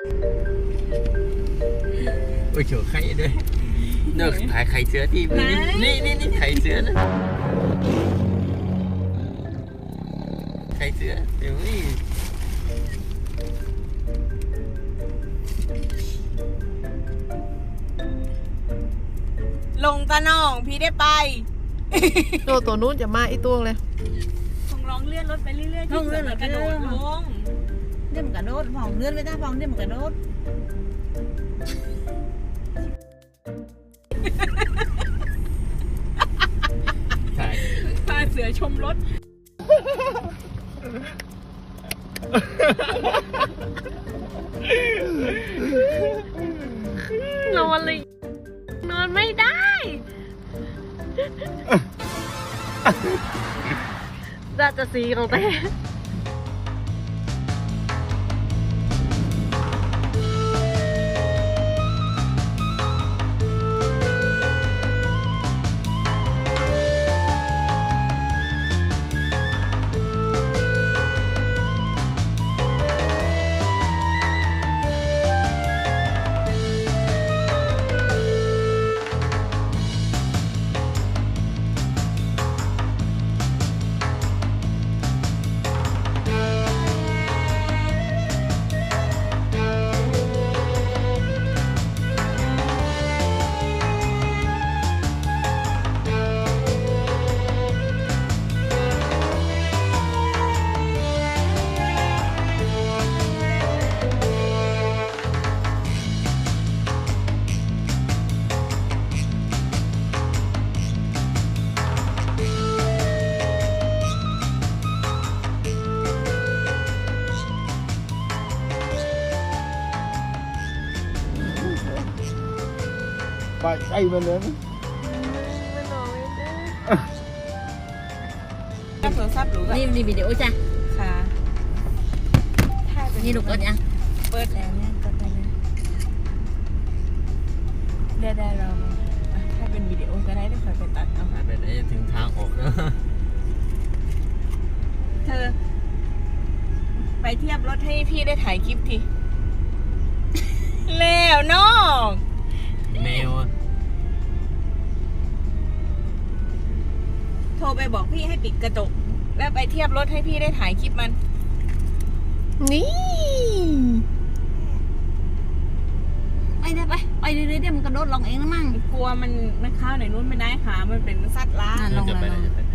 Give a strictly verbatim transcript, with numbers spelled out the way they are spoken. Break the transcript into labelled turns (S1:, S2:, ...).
S1: โอ้ยเขียวไข่ด้วยเนอะถ่ายไข่เสือที่นี่นี่นี่ไข่เสือนะไข่เสือเดี๋ยวนี่
S2: ลงตาน้องพี่ได้ไป
S3: ตัวตัวนู้นจะมาอีตัวเลย
S2: คงลองเลื่อนรถไปเรื่อยๆ
S4: ลองเลื่อนรถ
S2: กระโดดลง
S4: เดี๋ยวมันกระโดดผ่องเลื่อนไปท่าผ่องเดี๋ยวมันกระโดด
S1: ถ่าย
S2: พาเสือชมรถ
S3: นอนเลยนอนไม่ได้ราชสีห์ของแต่
S1: ไปไอ้มันเลย
S2: กับโทรศัพท์หรือ
S4: นี่นี่วิดีโอจ้ะ
S2: ค่ะถ่ายเป็น
S4: นี่ลูกกดยัง
S2: เปิดแล้วเนี่ยกดได้เลยได้ได้เราอ่ะถ้าเป็นวิดีโอก็ได้ได้คอยไปตัดเอา
S1: ถ่ายไปไหนถึงทางออกแล้ว
S2: เธอ ไปเทียบรถให้พี่ได้ถ่ายคลิปที แล้วน้อง
S1: แมวอะ
S2: โทรไปบอกพี่ให้ปิดกระจกแล้วไปเทียบรถให้พี่ได้ถ่ายคลิปมัน
S3: นี่
S4: ไปได้ไปไปเรื่อยๆเดี๋ยวมันกระโดดลงเองนะมั่ง
S2: กลัวมันมันเข้าไหนนู้นไม่ได้ค่ะมันเป็นสัตว์ร้าย
S4: อ่ะลง
S1: จะไปไหน
S4: ลง
S1: จะไปไหน